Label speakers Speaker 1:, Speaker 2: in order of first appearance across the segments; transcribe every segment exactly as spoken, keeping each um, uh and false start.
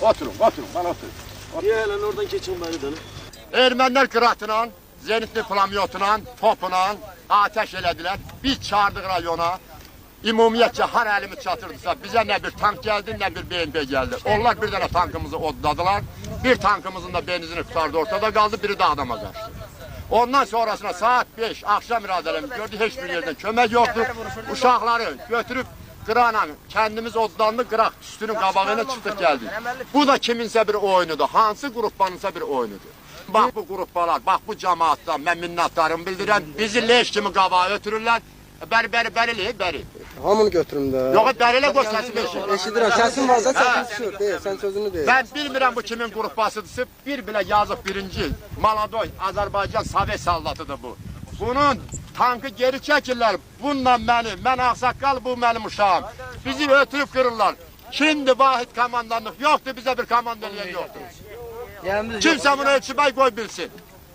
Speaker 1: Oturun, oturun, bana oturun.
Speaker 2: Niye hele oradan geçin bari dönün?
Speaker 1: Ermənilər qıratla, zenitli plamyotla, topla ateş elədilər. Biz çağırdık rayona. Ümumiyyətcə har əlimiz çatırdısa bizə nə bir tank gəldi, nə bir B M P gəldi. Onlar bir dənə tankımızı odladılar. Bir tankımızın da benzini tutardı, ortada qaldı, biri də adama qaçdı. Ondan sonrasına saat beş akşam iradələrimiz gördük, heç bir yerdən kömək yoxdur. Uşaqları götürüb qırana kendimiz odlandı, qıraq üstünün qabağına çıxdıq gəldik. Bu da kiminsə bir oyunudur, hansı qrupbanınsa bir oyunudur. Bax bu qrupbalar, bax bu cemaatlar, mən minnətdarımı bildirəm, bizi leş kimi qabağa ötürürlər. Bəri, bəri, bəri, bəri.
Speaker 3: Hamını götürüm də.
Speaker 1: Yox, bərilə qoy səsimi eşit.
Speaker 3: Eşidirəm, səsin varsa səsin düşür. Deyil, sən sözünü deyil.
Speaker 1: Mən bilmirəm bu kimin qrupbasıdırsa, bir bilə yazıq birinci, Maladoy, Azərbaycan Sovet saldatıdır bu. Bunun tankı geri çəkirlər, bununla məni, mən ağsaqqal, bu mənim uşağım. Bizi ötürüb qırırlar. Şimdi vahid komandanlıq yoxdur, bizə bir komanda eləyən yoxdur. Kimsə bunu ölçümək qoy bilsin.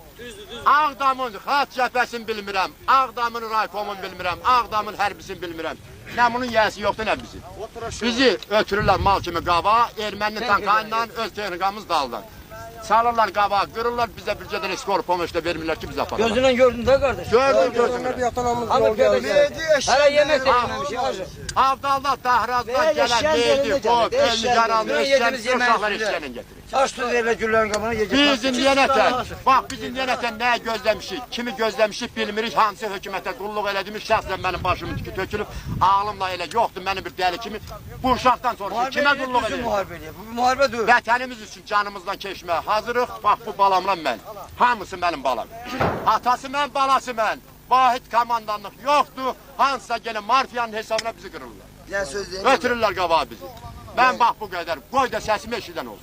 Speaker 1: Ağdamın xalq cəbhəsini bilmirəm, Ağdamın raykomun bilmirəm, Ağdamın hərbisini bilmirəm. Nə bunun yəsi yoxdur, nə bizi. Bizi ötürürlər mal kimi qabağa, erməninin tankayla öz texnikamız daldan. Salırlar qabağa, qırırlar, bizə bir cədən skor pomoşda vermirlər ki, biz aparalım.
Speaker 4: Gözündən gördün də qardaş.
Speaker 1: Gördüm, gördüm.
Speaker 3: Bir yatanamız yol gəldi.
Speaker 4: Hələ yemək seçməmişik hacı.
Speaker 1: Avdalda, Tahrazdan gələn verdi, qov, elini yaralı, eşkən, uşaqlar eşkənin getirir.
Speaker 4: Aç tuz verirlər güllərin qabına yiyəcək.
Speaker 1: Biz indiyənətən, bax biz indiyənətən nəyə gözləmişik, kimi gözləmişik bilmirik, hansı hökumətə qulluq elədiyimiz şəxsən mənim başımın tükü tökülüb, ağlımla elə yoxdur mənim bir dəli kimi, bu uşaqdan sonra kimə qulluq edir?
Speaker 4: Bu müharibə deyil.
Speaker 1: Vətənimiz üçün canımızdan keçməyə hazırıq, bax bu balamla mən, hamısı mənim balam. Atası mən, balası mən, vahid komandanlıq yoxdur, hansısa gəlin marfiyanın hesabına bizi qırırlar. Ötürürlər qabağa bizi. Mən bax bu qədər, qoy da səsimi eşidən olsun.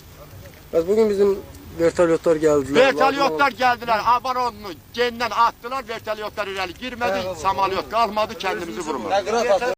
Speaker 3: Bəs bugün bizim vertolyotlar gəldilər.
Speaker 1: Vertolyotlar gəldilər, Abaronunu gendən attılar, vertolyotlar irəli girmədi, samalyot qalmadı, kendimizi vurmadı.